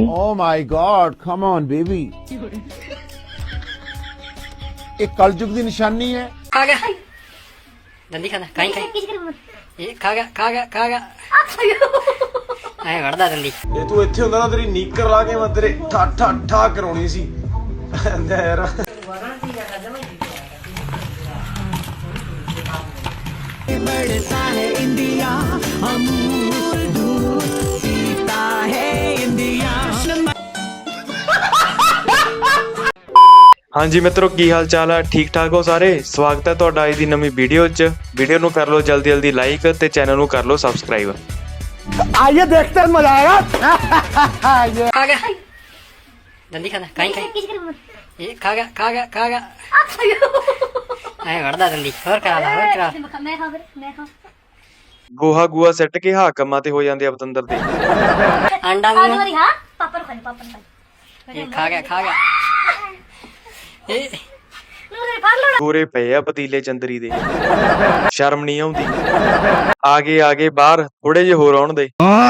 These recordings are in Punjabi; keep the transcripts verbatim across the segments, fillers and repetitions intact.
Oh my God, come on, baby. ये कलयुग की निशानी है। खा गया जल्दी खाना कहीं कहीं ये खा गया खा गया खा गया ਐ ਵੜਦਾ ਜल्दी ਇਹ ਤੂੰ ਇੱਥੇ ਹੁੰਦਾ ਨਾ ਤੇਰੀ ਨੀਕਰ ਲਾ ਕੇ ਮੈਂ ਤੇਰੇ ਠਾ ਠਾ ਠਾ ਕਰਾਉਣੀ ਸੀ ਯਾਰ बढ़ता है इंडिया अमूल दूध पीता है इंडिया। ਹਾਂਜੀ ਮਿੱਤਰੋ ਕੀ ਹਾਲ ਚਾਲ ਆ ਠੀਕ ਠਾਕ ਹੋ ਸਾਰੇ ਸਵਾਗਤ ਹੈ ਤੁਹਾਡਾ ਅੱਜ ਦੀ ਨਵੀਂ ਵੀਡੀਓ 'ਚ ਵੀਡੀਓ ਨੂੰ ਕਰ ਲਓ ਜਲਦੀ ਜਲਦੀ ਲਾਈਕ ਤੇ ਚੈਨਲ ਨੂੰ ਕਰ ਲਓ ਸਬਸਕ੍ਰਾਈਬ आइए देखते हैं मजा आएगा। खा गया जल्दी खाना कहीं कहीं ये खा गया खा गया खा गया ਐ ਵੜਦਾ ਜल्दी ਹੋਰ ਕਰਾ ਲਾ ਹੋਰ ਕਰਾ मैं खा फिर मैं खा ਗੋਹਾ ਗੂਆ ਸੱਟ ਕੇ ਹਾਕਮਾਂ ਤੇ ਹੋ ਜਾਂਦੇ ਆ ਪਤੰਦਰ ਦੇ अंडा खा सॉरी हां पापड़ खा पापड़ खा ये खा गया खा गया ये नूरे फाड़ लो ਗੋਰੇ ਪਏ ਆ ਪਤੀਲੇ ਚੰਦਰੀ ਦੇ ਸ਼ਰਮ ਨਹੀਂ ਆਉਂਦੀ ਆਗੇ ਆਗੇ ਬਾਹਰ ਥੋੜੇ ਜਿਹੇ ਹੋਰ ਆਉਣ ਦੇ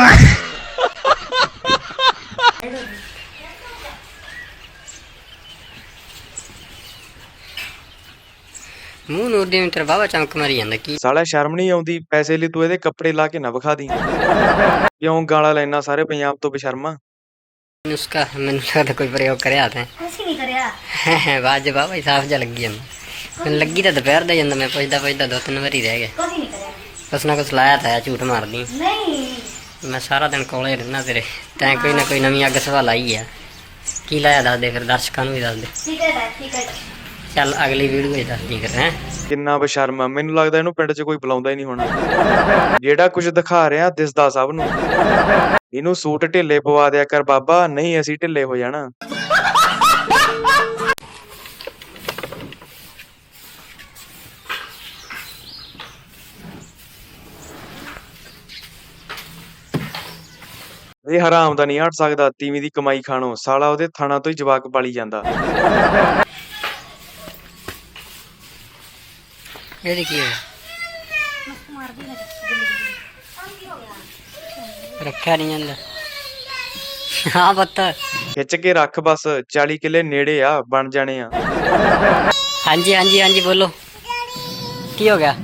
ਮੂੰਹ ਨੂਰ ਦੇ ਮਿੱਤਰ ਬਾਬਾ ਚਮਕ ਮਾਰੀ ਜਾਂਦਾ ਕੀ ਸਾਲਾ ਸ਼ਰਮ ਨਹੀਂ ਆਉਂਦੀ ਪੈਸੇ ਲਈ ਤੂੰ ਇਹਦੇ ਕੱਪੜੇ ਲਾ ਕੇ ਨਾ ਵਿਖਾ ਦੀ ਕਿਉਂ ਗਾਲਾਂ ਲੈਣਾ ਸਾਰੇ ਪੰਜਾਬ ਤੋਂ ਬੇਸ਼ਰਮਾ उसका मैंने लगता कोई प्रयोग करिया था कुछ नहीं करया बाज बाबा साफ जा लगी है मैं लगी तो दोपहर दे जांदा मैं पुछदा पुछदा दो तीन बारी रह गया कुछ नहीं करया कुछ ना कुछ लाया था झूठ मार दी नहीं मैं सारा दिन कोले रहना तेरे तैं कोई ना कोई नवी अग सवाल आई है की लाया दस दे फिर दर्शकों भी दस दे ठीक है ठीक है चल अगली वीडियो दस दी कर हैं ਕਿੰਨਾ ਬਸ਼ਰਮ ਆ ਮੈਨੂੰ ਲੱਗਦਾ ਇਹਨੂੰ ਪਿੰਡ 'ਚ ਕੋਈ ਬੁਲਾਉਂਦਾ ਹੀ ਨਹੀਂ ਹੋਣਾ ਜਿਹੜਾ ਕੁਝ ਦਿਖਾ ਰਿਹਾ ਦਿਸਦਾ ਸਭ ਨੂੰ ਇਹਨੂੰ ਸੂਟ ਢਿੱਲੇ ਪਵਾ ਦਿਆ ਕਰ ਬਾਬਾ ਨਹੀਂ ਅਸੀਂ ਢਿੱਲੇ ਹੋ ਜਾਣਾ ਇਹ ਹਰਾਮ ਦਾ ਨਹੀਂ ਹਟ ਸਕਦਾ ਤੀਵੀਂ ਦੀ ਕਮਾਈ ਖਾਣੋ ਸਾਲਾ ਉਹਦੇ ਥਾਣਾ ਤੋਂ ਹੀ ਜਵਾਕ ਪਾਲੀ ਜਾਂਦਾ ये देखिए मार दी रखा नहीं जाता हाँ पत्ता ਖਿੱਚ ਕੇ ਰੱਖ ਬਸ ਚਾਲੀ ਕਿੱਲੇ ਨੇੜੇ ਆ ਬਣ ਜਾਣੇ ਆ हाँ जी हाँ जी हाँ जी बोलो की हो गया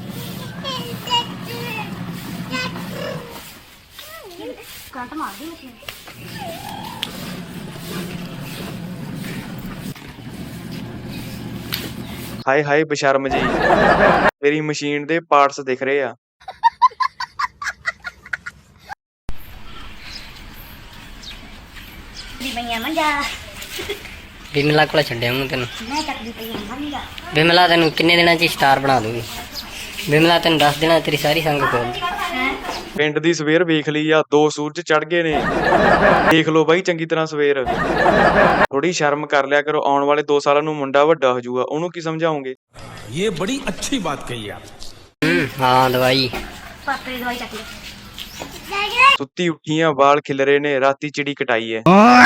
कांटा मार दी मशीन ਹਾਏ ਹਾਏ ਬਸ਼ਰਮ ਜੀ ਮੇਰੀ ਮਸ਼ੀਨ ਦੇ ਪਾਰਟਸ ਦਿਖ ਰਹੇ ਆ दी भैया मंजा बिमला को छड्या हूं तेन मैं चक दी भैया मंजा बिमला तेन किन्ने दिनों च स्टार बना दूंगी बिमला तेन दस दिन तेरी सारी संग खोल दी ਪਿੰਡ ਦੀ ਸਵੇਰ ਵੇਖ ਲਈ ਆ ਦੋ ਸੂਰਜ ਚੜ ਗਏ ਨੇ ਦੇਖ ਲਓ ਬਾਈ ਚੰਗੀ ਤਰ੍ਹਾਂ ਸਵੇਰ ਥੋੜੀ ਸ਼ਰਮ ਕਰ ਲਿਆ ਕਰੋ ਆਉਣ ਵਾਲੇ ਦੋ ਸਾਲਾਂ ਨੂੰ ਮੁੰਡਾ ਵੱਡਾ ਹੋ ਜਾਊਗਾ ਉਹਨੂੰ ਕੀ ਸਮਝਾਉਂਗੇ ये बड़ी अच्छी बात कही आप हम्म हाँ दवाई पापड़ की दवाई चक ली ਸੁੱਤੀ ਉੱਠੀਆਂ ਵਾਲ ਖਿਲਰੇ ਨੇ ਰਾਤੀ ਚਿੜੀ ਕਟਾਈ ਐ हाँ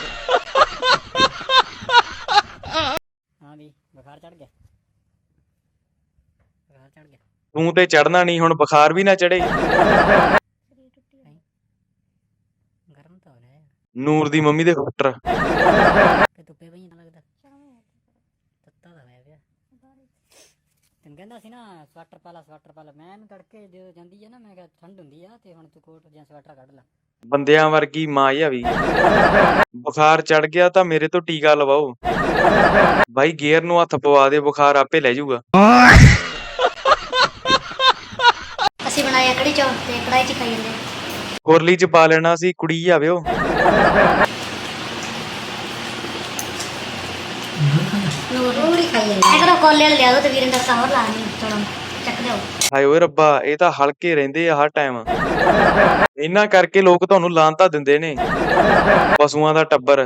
भी बुखार चढ़ गया बुखार चढ़ गया ਤੂੰ ਤੇ ਚੜਨਾ ਨਹੀਂ ਹੁਣ ਬੁਖਾਰ ਵੀ ਨਾ ਚੜੇ गर्म तो हो रहा है ਨੂਰ ਦੀ ਮੰਮੀ ਦੇ ਹੁੱਟਰ ਤੇ ਧੁੱਪੇ ਪਈ ਨਾ ਲੱਗਦਾ ਤੱਤਾ ਦਾ ਹੋਇਆ ਪਿਆ ਤੈਨੂੰ ਕਹਿੰਦਾ ਸੀ ਨਾ ਸਵੈਟਰ ਪਾ ਲਾ ਸਵੈਟਰ ਪਾ ਲਾ ਮੈਂ ਇਹਨੂੰ ਤੜਕੇ ਜਦੋਂ ਜਾਂਦੀ ਆ ਨਾ ਮੈਂ ਕਿਹਾ ਠੰਡ ਹੁੰਦੀ ਆ ਤੇ ਹੁਣ ਤੂੰ ਕੋਟ ਜਾਂ ਸਵੈਟਰ ਕੱਢ ਲੈ ਬੰਦਿਆਂ ਵਰਗੀ ਮਾਂ ਆ ਵੀ ਬੁਖਾਰ ਚੜ ਗਿਆ ਤਾਂ ਮੇਰੇ ਤੋਂ ਟੀਕਾ ਲਵਾਓ ਬਾਈ ਗੇਅਰ ਨੂੰ ਹੱਥ ਪਵਾ ਦੇ ਬੁਖਾਰ ਆਪੇ ਲੈ ਜਾਊਗਾ ਅਸੀਂ ਬਣਾਇਆ ਕੜੀ ਚੌਲ ਤੇ ਕੜਾਈ ਚ ਖਾਈ ਜਾਂਦੇ ਕੁਰਲੀ ਚ ਪਾ ਲੈਣਾ ਸੀ ਕੁੜੀ ਆਵੇ ਉਹ ਨੂਰ ਨੂਰ ਹੀ ਖਾਈ ਜਾਂਦੇ ਐ ਕਰੋ ਕੋਲੇ ਵਾਲੇ ਲਿਆ ਦੋ ਤੇ ਵੀਰਿੰਦਰ ਦਾ ਹੋਰ ਲਾ ਨਹੀਂ ਥੋੜਾ ਚੱਕ ਦਿਓ ਹਾਏ ਓਏ ਰੱਬਾ ਇਹ ਤਾਂ ਹਲਕੇ ਰਹਿੰਦੇ ਆ ਹਰ ਟਾਈਮ ਇਹਨਾਂ ਕਰਕੇ ਲੋਕ ਤੁਹਾਨੂੰ ਲਾਂਤਾ ਦਿੰਦੇ ਨੇ ਪਸ਼ੂਆਂ ਦਾ ਟੱਬਰ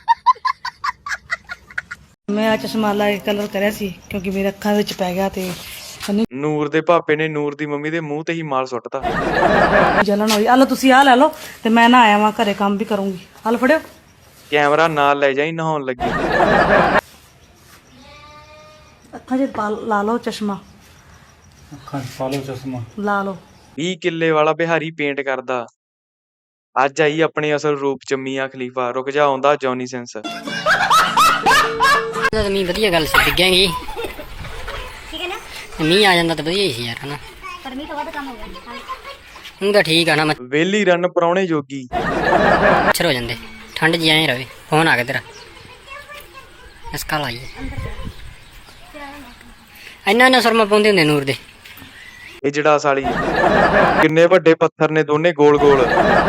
ਮੈਂ ਆ ਚਸ਼ਮਾ ਲਾ ਕੇ ਕਲਰ ਕਰਿਆ ਸੀ ਕਿਉਂਕਿ ਮੇਰੇ ਅੱਖਾਂ ਵਿੱਚ ਪੈ ਗਿਆ ਤੇ ਨੂਰ ਦੇ ਭਾਪੇ ਨੇ ਨੂਰ ਦੀ ਮੰਮੀ ਦੇ ਮੂੰਹ ਤੇ ਹੀ ਮਾਲ ਸੁੱਟਤਾ ਜਲਨ ਹੋਈ। ਆ ਲਓ ਤੁਸੀਂ ਆ ਲੈ ਲਓ ਤੇ ਮੈਂ ਨਾ ਆਇਆ ਵਾਂ ਘਰੇ ਕੰਮ ਵੀ ਕਰੂੰਗੀ। ਆ ਲਓ ਫੜਿਓ ਕੈਮਰਾ ਨਾਲ ਲੈ ਜਾਈ ਨਹਾਉਣ ਲੱਗੀ ਅੱਖਾਂ 'ਚ ਪਾ ਲਾ ਲਓ ਚਸ਼ਮਾ ਅੱਖਾਂ 'ਚ ਪਾ ਲਓ ਚਸ਼ਮਾ ਲਾ ਲਓ ਵੀਹ ਕਿੱਲੇ ਵਾਲਾ ਬਿਹਾਰੀ ਪੇਂਟ ਕਰਦਾ ਅੱਜ ਆਈ ਆਪਣੇ ਅਸਲ ਰੂਪ ਚ ਮੀਆਂ ਖਲੀਫਾ। ਰੁਕ ਜਾ, ਆਉਂਦਾ ਜੌਨੀ ਸਿੰਸ। ਤਾਂ ਮੀਂਹ ਵਧੀਆ ਗੱਲ ਸੀ, ਡਿੱਗਾਂਗੀ। ਠੀਕ ਹੈ ਨਾ, ਮੀਂਹ ਆ ਜਾਂਦਾ ਤਾਂ ਵਧੀਆ ਹੀ ਸੀ ਯਾਰ, ਹਨਾ। ਪਰ ਮੀਂਹ ਤੋਂ ਵੱਧ ਕੰਮ ਹੋ ਗਿਆ। ਹੁਣ ਤਾਂ ਠੀਕ ਆ ਨਾ, ਵੇਲੀ ਰਨ ਪਰਾਉਣੇ ਜੋਗੀ। ਮੱਛਰ ਹੋ ਜਾਂਦੇ, ਠੰਡ ਜੀ ਐਂ ਰਵੇ। ਫੋਨ ਆ ਗਿਆ ਤੇਰਾ, ਇਸ ਕਾਲ ਆਈ ਇੰਨਾ ਇੰਨਾ ਸੁਰਮਾ ਪਾਉਂਦੇ ਹੁੰਦੇ ਨੂਰ ਦੇ। ਇਹ ਜਿਹੜਾ ਸਾਲੀ ਕਿੰਨੇ ਵੱਡੇ ਪੱਥਰ ਨੇ, ਦੋਨੇ ਗੋਲ ਗੋਲ।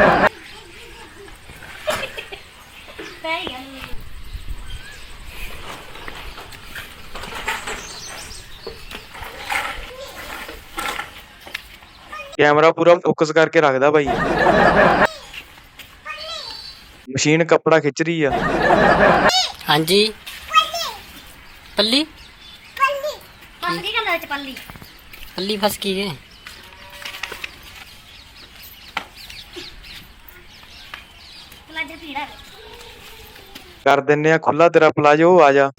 ਕੈਮਰਾ ਪੂਰਾ ਫੋਕਸ ਕਰਕੇ ਰੱਖਦਾ ਬਾਈ। ਮਸ਼ੀਨ ਕੱਪੜਾ ਖਿੱਚ ਰਹੀ ਆ। ਹਾਂਜੀ ਪੱਲੀ ਫਸ ਗਈ ਗੱਲ ਵਿੱਚ ਪੱਲੀ। ਪੱਲੀ ਫਸ ਗਈ ਹੈ। ਪਲਾਜੋ ਭੀੜਾ ਕਰ ਦਿੰਨੇ ਆ ਖੁੱਲਾ ਤੇਰਾ ਪਲਾਜੋ, ਆ ਜਾ।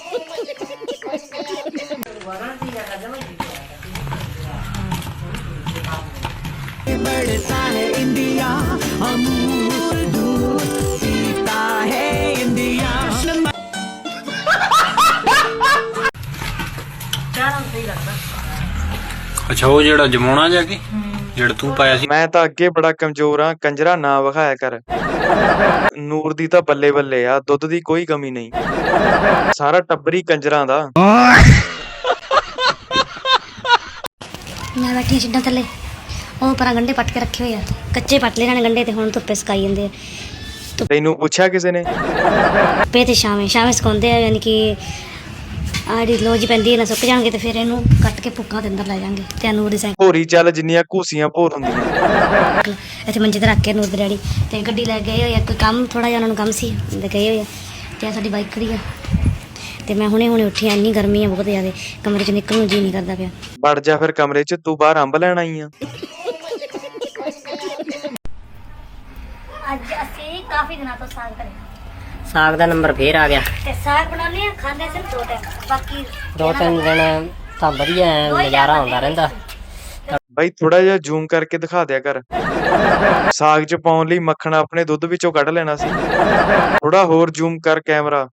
बढ़ता है इंडिया, अमूल दूध पीता है इंडिया। ਅੱਛਾ ਉਹ ਜਿਹੜਾ ਜਮਾਉਣਾ ਜਾ ਕੇ ਜਿਹੜਾ ਤੂੰ ਪਾਇਆ ਸੀ। ਮੈਂ ਤਾਂ ਅੱਗੇ ਬੜਾ ਕਮਜ਼ੋਰ ਆ, ਕੰਜਰਾ ਨਾ ਵਿਖਾਇਆ ਕਰ। ਨੂਰ ਦੀ ਤਾਂ ਬੱਲੇ ਬੱਲੇ ਆ, ਦੁੱਧ ਦੀ ਕੋਈ ਕਮੀ ਨਹੀਂ। ਸਾਰਾ ਟੱਬਰੀ ਕੰਜਰਾਂ ਦਾ। ਮੈਂ ਬੈਠੀ ਛਿੱਡਾਂ ਥੱਲੇ, ਉਹ ਪਰਾਂ ਗੰਡੇ ਪੱਟ ਕੇ ਰੱਖੇ ਹੋਏ ਆ। ਕੱਚੇ ਪੱਟ ਲਏ ਇਹਨਾਂ ਨੇ ਗੰਡੇ, ਤੇ ਹੁਣ ਧੁੱਪੇ ਸੁਕਾਈ ਜਾਂਦੇ ਆ। ਤੈਨੂੰ ਪੁੱਛਿਆ ਕਿਸੇ ਨੇ? ਧੁੱਪੇ ਤੇ ਛਾਵੇਂ ਛਾਵੇਂ ਸੁਕਾਉਂਦੇ ਆ, ਯਾਨੀ ਕਿ ਆੜੀ ਲੋਜ ਪੈਂਦੀ ਹੈ ਨਾ, ਸੁੱਕ ਜਾਣਗੇ ਤੇ ਫਿਰ ਇਹਨੂੰ ਕੱਟ ਕੇ ਭੁੱਕਾਂ ਦੇ ਅੰਦਰ ਲੈ ਜਾਾਂਗੇ। ਤੇ ਨੂਰ ਦੀ ਸਾਈਕਲ ਭੋਰੀ ਚੱਲ ਜਿੰਨੀਆਂ ਘੂਸੀਆਂ ਭੋਰ ਹੁੰਦੀਆਂ। ਇੱਥੇ ਮੰਜੇ ਤੇ ਰੱਖ ਕੇ ਨੂਰ ਦੇ ਡੈਡੀ ਤੇ ਗੱਡੀ ਲੈ ਗਏ ਹੋਏ ਆ। ਕੋਈ ਕੰਮ ਥੋੜਾ ਜਿਹਾ ਉਹਨਾਂ ਨੂੰ ਕੰਮ ਸੀ, ਤੇ ਗਏ ਹੋਏ ਆ। ਤੇ ਸਾਡੀ ਬਾਈਕ ਖੜੀ ਆ, ਤੇ ਮੈਂ ਹੁਣੇ ਹੁਣੇ ਉੱਠੀ ਆ। ਇੰਨੀ ਗਰਮੀ ਆ ਬਹੁਤ ਜ਼ਿਆਦਾ, ਕਮਰੇ ਚ ਨਿਕਲਣ ਨੂੰ ਜੀ ਨਹੀਂ ਕਰਦਾ ਪਿਆ। ਵੜ ਜਾ ਫਿਰ ਕਮਰੇ ਚ, ਤੂੰ ਬਾਹਰ ਅੰਬ ਲੈਣ ਆਈ ਆ। ਅੱਜ ਅਸੀਂ ਕਾਫੀ ਦਿਨਾਂ ਤੋਂ ਸਾਗ ਕਰੇ, ਸਾਗ ਦਾ ਨੰਬਰ ਫੇਰ ਆ ਗਿਆ। ਤੇ ਸਾਗ ਬਣਾਉਂਦੇ ਆ, ਖਾਂਦੇ ਸਿਰਫ ਦੋ ਟਾਈਮ, ਬਾਕੀ ਦੋ ਤਿੰਨ ਦਿਨ ਤਾਂ ਵਧੀਆ ਨਜ਼ਾਰਾ ਆਉਂਦਾ ਰਹਿੰਦਾ। ਬਾਈ ਥੋੜਾ ਜਿਹਾ ਜ਼ੂਮ ਕਰਕੇ ਦਿਖਾ ਦਿਆ ਕਰ। ਸਾਗ ਚ ਪਾਉਣ ਲਈ ਮੱਖਣ ਆਪਣੇ ਦੁੱਧ ਵਿੱਚੋਂ ਕੱਢ ਲੈਣਾ ਸੀ। ਥੋੜਾ ਹੋਰ ਜ਼ੂਮ ਕਰ ਕੈਮਰਾ।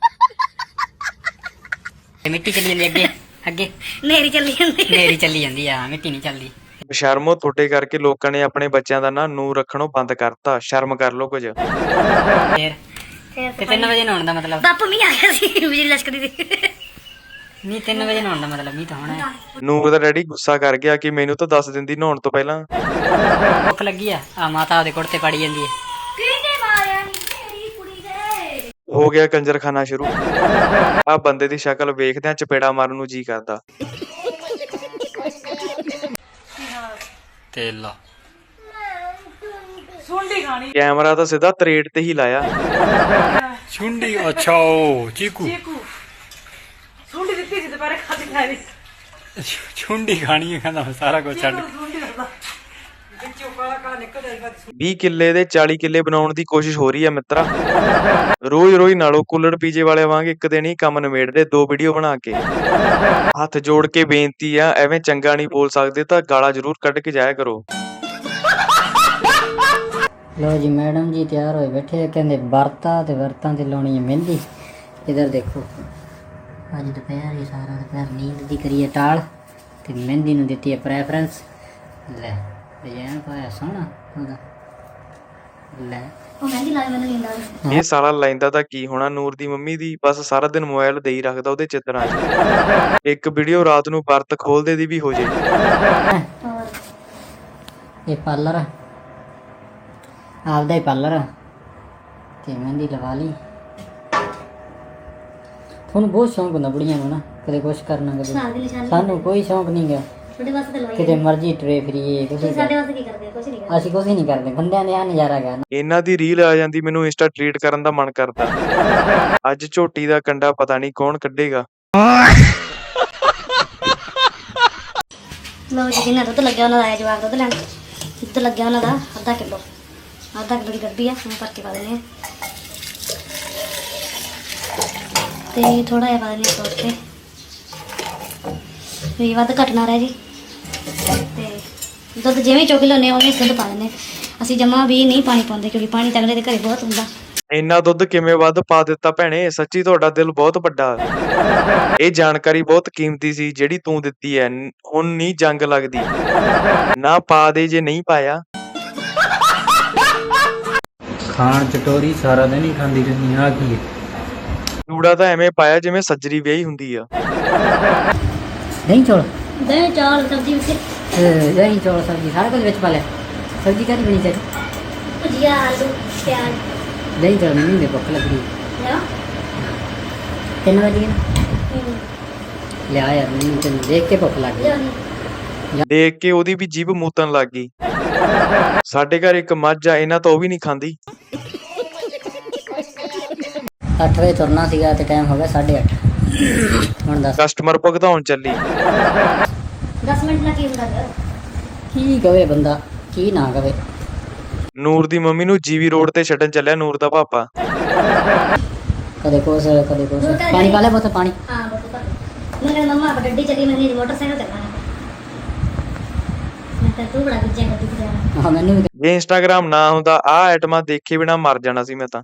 ਮਿੱਟੀ ਚੱਲੀ ਜਾਂਦੀ ਅੱਗੇ ਅੱਗੇ, ਨੇਰੀ ਚੱਲੀ ਜਾਂਦੀ। ਨੇਰੀ ਚੱਲੀ ਜਾਂਦੀ ਆ, ਮਿੱਟੀ ਨਹੀਂ ਚੱਲਦੀ। ਸ਼ਰਮੋ ਤੁਹਾਡੇ ਕਰਕੇ ਲੋਕਾਂ ਨੇ ਆਪਣੇ ਬੱਚਿਆਂ ਦਾ ਨਾ ਨੂਰ ਰੱਖਣੋਂ ਬੰਦ ਕਰਤਾ। ਸ਼ਰਮ ਕਰ ਲੋ ਕੁਝ। ਫੇਰ ਫਿਰ ਤੇ ਤਿੰਨ ਵਜੇ ਨਹਾਉਣ ਦਾ ਮਤਲਬ? ਬਾਪੂ ਮੀਂਹ ਆ ਗਿਆ ਸੀ, ਬਿਜਲੀ ਲਸ਼ਕਦੀ ਸੀ। ਨਹੀਂ ਤਿੰਨ ਵਜੇ ਨਹਾਉਣ ਦਾ ਮਤਲਬ ਮੀਂਹ ਤਾਂ ਹੋਣਾ ਹੈ। ਨੂਰ ਦਾ ਡੈਡੀ ਗੁੱਸਾ ਕਰ ਗਿਆ ਕਿ ਮੈਨੂੰ ਤਾਂ ਦੱਸ ਦਿੰਦੀ ਨਹਾਉਣ ਤੋਂ ਪਹਿਲਾਂ। ਭੁੱਖ ਲੱਗੀ ਆ, ਆ ਮਾਤਾ ਉਹਦੇ ਕੁੜਤੇ ਪਾੜੀ ਜਾਂਦੀ ਹੈ। ਕਿਹਨੇ ਮਾਰਿਆ ਨੀ ਤੇਰੀ ਕੁੜੀ ਦੇ? ਹੋ ਗਿਆ ਕੰਜਰਖਾਨਾ ਸ਼ੁਰੂ। ਆ ਬੰਦੇ ਦੀ ਸ਼ਕਲ ਵੇਖਦਿਆਂ ਚਪੇੜਾ ਮਾਰਨ ਨੂੰ ਜੀ ਕਰਦਾ। ਤੇਲਾ ਸੁੰਡੀ ਖਾਣੀ ਕੈਮਰਾ ਤਾਂ ਸਿੱਧਾ ਤਰੇੜ ਤੇ ਹੀ ਲਾਇਆ। ਛੁੰਡੀ। ਅੱਛਾ ਉਹ ਚੀਕੂ ਚੀਕੂ ਸੁੰਡੀ ਦਿੱਤੀ ਸੀ ਦੁਪਹਿਰੇ ਖਾਦੀ ਖਾਈ। ਛੁੰਡੀ ਖਾਣੀ ਹੈ, ਕਹਿੰਦਾ ਸਾਰਾ ਕੁਝ ਛੱਡ। ਸੁੰਡੀ ਦੱਸਦਾ ਵਿੱਚੋਂ ਕਾਲਾ ਕਾਲਾ ਨਿਕਲ ਜਾਏਗਾ। ਵੀਹ ਕਿੱਲੇ ਦੇ ਚਾਲੀ ਕਿੱਲੇ ਬਣਾਉਣ ਦੀ ਕੋਸ਼ਿਸ਼ ਹੋ ਰਹੀ ਹੈ ਮਿੱਤਰਾ। ਰੋਜ਼ ਰੋਜ਼ ਨਾਲੋਂ ਕੁੱਲੜ ਪੀਜੇ ਵਾਲੇ ਵਾਂਗ ਇੱਕ ਦਿਨ ਹੀ ਕੰਮ ਨਿਬੇੜਦੇ ਦੋ ਵੀਡੀਓ ਬਣਾ ਕੇ। ਹੱਥ ਜੋੜ ਕੇ ਬੇਨਤੀ ਆ, ਐਵੇਂ ਚੰਗਾ ਨਹੀਂ ਬੋਲ ਸਕਦੇ ਤਾਂ ਗਾਲਾਂ ਜ਼ਰੂਰ ਕੱਢ ਕੇ ਜਾਇਆ ਕਰੋ। ਲੋ ਜੀ ਮੈਡਮ ਜੀ ਤਿਆਰ ਹੋਏ ਬੈਠੇ ਆ, ਕਹਿੰਦੇ ਵਰਤਾ ਤੇ ਵਰਤਾਂ ਤੇ ਲਾਉਣੀ ਹੈ ਮਹਿੰਦੀ। ਇਧਰ ਦੇਖੋ, ਅੱਜ ਦੁਪਹਿਰ ਹੀ ਸਾਰਾ ਦੁਪਹਿਰ ਨੀਂਦ ਦੀ ਕਰੀਏ ਟਾਲ, ਤੇ ਮਹਿੰਦੀ ਨੂੰ ਦਿੱਤੀ ਹੈ ਪ੍ਰੈਫਰੈਂਸ। ਲੈ ਡਿਜ਼ਾਈਨ ਪਾਇਆ ਸੋਹਣਾ ਉਹਦਾ। ਲੈ ਉਹ ਮਹਿੰਦੀ ਲਾਏ ਮੈਨੂੰ ਨੀਂਦ ਆ ਗਈ। ਇਹ ਸਾਲਾ ਲੈਂਦਾ ਤਾਂ ਕੀ ਹੋਣਾ ਨੂਰ ਦੀ ਮੰਮੀ ਦੀ, ਬਸ ਸਾਰਾ ਦਿਨ ਮੋਬਾਈਲ ਦੇ ਹੀ ਰੱਖਦਾ ਉਹਦੇ ਚਿੱਤਰਾਂ 'ਚ। ਇੱਕ ਵੀਡੀਓ ਰਾਤ ਨੂੰ ਵਰਤ ਖੋਲਦੇ ਦੀ ਵੀ ਹੋ ਜੇ। ਹੋਰ ਇਹ ਪਾਰਲਰ ਆ, ਆਪਦਾ ਹੀ ਪਾਰਲਰ ਆ, ਤੇ ਮਹਿੰਦੀ ਲਵਾ ਲਈ। ਤੁਹਾਨੂੰ ਬਹੁਤ ਸ਼ੌਂਕ ਹੁੰਦਾ ਬੁੜੀਆਂ ਨੂੰ ਨਾ, ਕਦੇ ਕੁਛ ਕਰਨਾ ਕਦੇ। ਸਾਗ ਦੀ ਨਿਸ਼ਾਨੀ ਸਾਨੂੰ ਕੋਈ ਸ਼ੌਂਕ ਨਹੀਂ ਗਾ, ਤੁਹਾਡੇ ਵਾਸਤੇ ਤਾਂ ਲਵਾਈ ਕਿਤੇ ਮਰਜ਼ੀ ਟਰੇ ਫਰੀਏ ਕੁਛ। ਤੁਸੀਂ ਸਾਡੇ ਵਾਸਤੇ ਕੀ ਕਰਦੇ ਹੋ? ਕੁਛ ਨਹੀਂ ਕਰਦੇ। ਅਸੀਂ ਕੁਛ ਨਹੀਂ ਕਰਦੇ, ਬੰਦਿਆਂ ਦੇ ਆ ਨਜ਼ਾਰਾ ਗਾ। ਇਹਨਾਂ ਦੀ ਰੀਲ ਆ ਜਾਂਦੀ, ਮੈਨੂੰ ਇੰਸਟਾ ਟ੍ਰੀਟ ਕਰਨ ਦਾ ਮਨ ਕਰਦਾ। ਅੱਜ ਝੋਟੀ ਦਾ ਕੰਡਾ ਪਤਾ ਨਹੀਂ ਕੌਣ ਕੱਢੇਗਾ। ਲਓ ਜੀ, ਜਿੰਨਾ ਦੁੱਧ ਲੱਗਿਆ ਉਹਨਾਂ ਦਾ ਆਇਆ ਜਵਾਬ ਦੁੱਧ ਲੈਣ। ਦੁੱਧ ਲੱਗਿਆ ਉਹਨਾਂ ਦਾ ਅੱਧਾ ਕਿਲੋ, ਅੱਧਾ ਕਿਲੋ ਦੀ ਡੱਬੀ ਆ, ਹੁਣ ਭਰ ਕੇ ਪਾ ਦਿੰਦੇ ਆ। ਤੇ ਥੋੜਾ ਜਿਹਾ ਪਾ ਦਿੰਦੇ ਆ ਸੋਸ ਤੇ, ਵੀ ਵੱਧ ਘਟਣਾ ਰਹਿ ਜੀ। ਤੇ ਦੁੱਧ ਜਿਵੇਂ ਚੁੱਕ ਲੈਂਦੇ ਹਾਂ ਉਵੇਂ ਦੁੱਧ ਪਾ ਦਿੰਦੇ ਹਾਂ। ਅਸੀਂ ਜਮਾ ਵੀ ਨਹੀਂ ਪਾਣੀ ਪਾਉਂਦੇ ਕਿਉਂਕਿ ਪਾਣੀ ਤਾਂ ਅਗਲੇ ਦੇ ਘਰੇ ਬਹੁਤ ਹੁੰਦਾ। ਇੰਨਾ ਦੁੱਧ ਕਿਵੇਂ ਵੱਧ ਪਾ ਦਿੱਤਾ ਭੈਣੇ, ਸੱਚੀ ਤੁਹਾਡਾ ਦਿਲ ਬਹੁਤ ਵੱਡਾ। ਇਹ ਜਾਣਕਾਰੀ ਬਹੁਤ ਕੀਮਤੀ ਸੀ ਜਿਹੜੀ ਤੂੰ ਦਿੱਤੀ ਐ। ਹੁਣ ਨਹੀਂ ਜੰਗ ਲੱਗਦੀ, ਨਾ ਪਾ ਦੇ ਜੇ ਨਹੀਂ ਪਾਇਆ। ਖਾਣ ਚਟੋਰੀ ਸਾਰਾ ਦਿਨ ਹੀ ਖਾਂਦੀ ਰਹਿੰਦੀ ਆ ਕੀ ਹੈ? ਚੂੜਾ ਤਾਂ ਐਵੇਂ ਪਾਇਆ ਜਿਵੇਂ ਸੱਜਰੀ ਵਿਆਹੀ ਹੁੰਦੀ ਆ। ਦਹੀਂ ਚੌਲ ਦਹੀਂ ਚਾਲ ਸਬਜ਼ੀ ਵਿੱਚ ਅਹ ਦਹੀਂ ਚੌਲ ਸਬਜ਼ੀ ਸਾਰਾ ਕੁਝ ਵਿੱਚ ਪਾ ਲਿਆ। ਸਬਜ਼ੀ ਕਾਹਦੀ ਬਣੀ ਚਾਹੀਦੀ? ਭੁਜੀਆ ਆਲੂ ਪਿਆਜ਼ ਦਹੀਂ ਚੌਲ ਮੈਨੂੰ ਨਹੀਂ ਭੁੱਖ ਲੱਗ ਰਹੀ। ਲਿਆ ਤਿੰਨ ਵਜੇ ਲਿਆ ਯਾਰ, ਮੈਨੂੰ ਤੈਨੂੰ ਦੇਖ ਕੇ ਭੁੱਖ ਲੱਗ ਗਈ। ਲਿਆਉਣੀ ਦੇਖ ਕੇ ਉਹਦੀ ਵੀ ਜੀਭ ਮੂਤਣ ਲੱਗ ਗਈ। ਸਾਡੇ ਘਰ ਇੱਕ ਮੱਝ ਆ, ਇਹਨਾਂ ਤੋਂ ਉਹ ਵੀ ਨਹੀਂ ਖਾਂਦੀ। ਅੱਠ ਵਜੇ ਤੁਰਨਾ ਸੀਗਾ ਤੇ ਟਾਈਮ ਹੋ ਗਿਆ ਸਾਢੇ ਅੱਠ। ਹੁਣ ਦੱਸ ਕਸਟਮਰ ਭੁਗਤਾਉਣ ਚੱਲੀ। ਦਸ ਮਿੰਟ ਨਾਲ ਕੀ ਹੁੰਦਾ ਗਾ? ਕੀ ਕਵੇ ਬੰਦਾ, ਕੀ ਨਾ ਕਵੇ। ਨੂਰ ਦੀ ਮੰਮੀ ਨੂੰ ਜੀਵੀ ਰੋਡ ਤੇ ਛੱਡਣ ਚੱਲਿਆ ਨੂਰ ਦਾ ਪਾਪਾ। ਕਦੇ ਕੁਛ ਕਦੇ ਕੁਛ। ਪਾਣੀ ਪਾ ਲੈ ਬਹੁਤ ਪਾਣੀ। ਹਾਂ ਬੱਬੂ ਪਾ ਮੈਂ ਕਹਿੰਦਾ ਮੰਮਾ ਆਪਾਂ ਗੱਡੀ ਚੱਲੀ ਮੈਂ ਨਹੀਂ ਮੋਟਰਸਾਈਕਲ ਤੇ ਜਾਣਾ। ਮੈਂ ਤਾਂ ਤੂੰ ਬੜਾ ਗੁੱਜਾ ਗੱਡੀ ਤੇ ਜਾਣਾ। ਹਾਂ ਮੈਨੂੰ ਵੀ ਜੇ ਇੰਸਟਾਗ੍ਰਾਮ ਨਾ ਹੁੰਦਾ ਆਹ ਆਈਟਮਾਂ ਦੇਖੇ ਬਿਨਾ ਮਰ ਜਾਣਾ ਸੀ ਮੈਂ ਤਾਂ।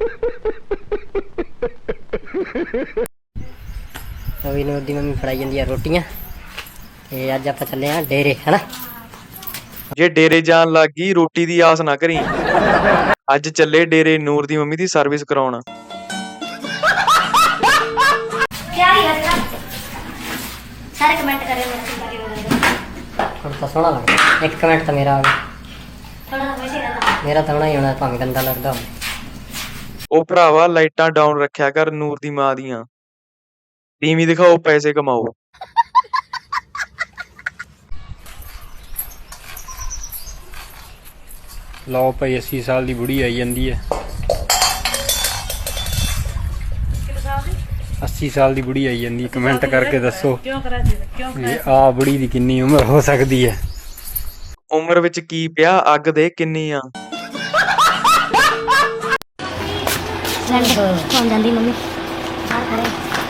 ਰਵੀ ਨੂੰ ਦੀ ਮੰਮੀ ਫੜਾਈ ਜਾਂਦੀ ਆ ਰੋਟੀਆਂ ਤੇ ਅੱਜ ਆਪਾਂ ਚੱਲੇ ਆ ਡੇਰੇ ਹਨਾ। ਜੇ ਡੇਰੇ ਜਾਣ ਲੱਗ ਗਈ ਰੋਟੀ ਦੀ ਆਸ ਨਾ ਕਰੀ। ਅੱਜ ਚੱਲੇ ਡੇਰੇ ਨੂਰ ਦੀ ਮੰਮੀ ਦੀ ਸਰਵਿਸ ਕਰਾਉਣ। क्या ही है सारे कमेंट करे मेरे ਹੁਣ ਤਾਂ ਸੋਹਣਾ ਲੱਗਦਾ। ਇੱਕ ਕਮੈਂਟ ਤਾਂ ਮੇਰਾ ਆ ਗਿਆ। थोड़ा वैसे रहता ਮੇਰਾ ਤਾਂ ਹੋਣਾ ਹੀ ਹੋਣਾ ਭਾਵੇਂ ਗੰਦਾ ਲੱਗਦਾ ਹੋਵੇ। ਉਹ ਭਰਾਵਾ ਲਾਈਟਾਂ ਡਾਊਨ ਰੱਖਿਆ ਕਰ ਨੂਰ ਦੀ ਮਾਂ ਦੀਆਂ। ਟੀਵੀ ਦਿਖਾਓ, ਪੈਸੇ ਕਮਾਓ। ਲਓ ਭਾਈ ਅੱਸੀ ਸਾਲ ਦੀ ਬੁੜੀ ਆਈ ਜਾਂਦੀ ਹੈ। ਅੱਸੀ ਸਾਲ ਦੀ ਬੁੜੀ ਆਈ ਜਾਂਦੀ, ਕਮੈਂਟ ਕਰਕੇ ਦੱਸੋ ਕਿਉਂ ਕਰਾ ਜੀ ਕਿਉਂ ਵੀ ਆਹ ਬੁੜੀ ਦੀ ਕਿੰਨੀ ਉਮਰ ਹੋ ਸਕਦੀ ਹੈ। ਉਮਰ ਵਿੱਚ ਕੀ ਪਿਆ, ਅੱਗ ਦੇ ਕਿੰਨੀ ਆ। सिलेंडर कौन जाती मम्मी बाहर खड़े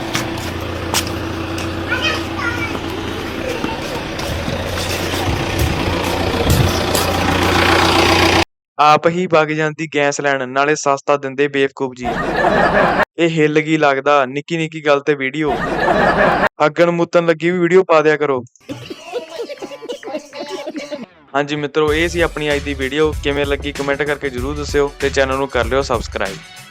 ਆਪ ਹੀ ਵਗ ਜਾਂਦੀ ਗੈਸ ਲੈਣ, ਨਾਲੇ ਸਸਤਾ ਦਿੰਦੇ ਬੇਵਕੂਫ ਜੀ। ਇਹ ਹਿੱਲ ਗਈ ਲੱਗਦਾ ਨਿੱਕੀ ਨਿੱਕੀ ਗੱਲ ਤੇ ਵੀਡੀਓ। ਅੱਗਣ ਮੁੱਤਣ ਲੱਗੀ ਵੀ ਵੀਡੀਓ ਪਾ ਦਿਆ ਕਰੋ। ਹਾਂਜੀ ਮਿੱਤਰੋ, ਇਹ ਸੀ ਆਪਣੀ ਅੱਜ ਦੀ ਵੀਡੀਓ। ਕਿਵੇਂ ਲੱਗੀ ਕਮੈਂਟ ਕਰਕੇ ਜਰੂਰ ਦੱਸਿਓ ਤੇ ਚੈਨਲ ਨੂੰ ਕਰ ਲਿਓ ਸਬਸਕ੍ਰਾਈਬ।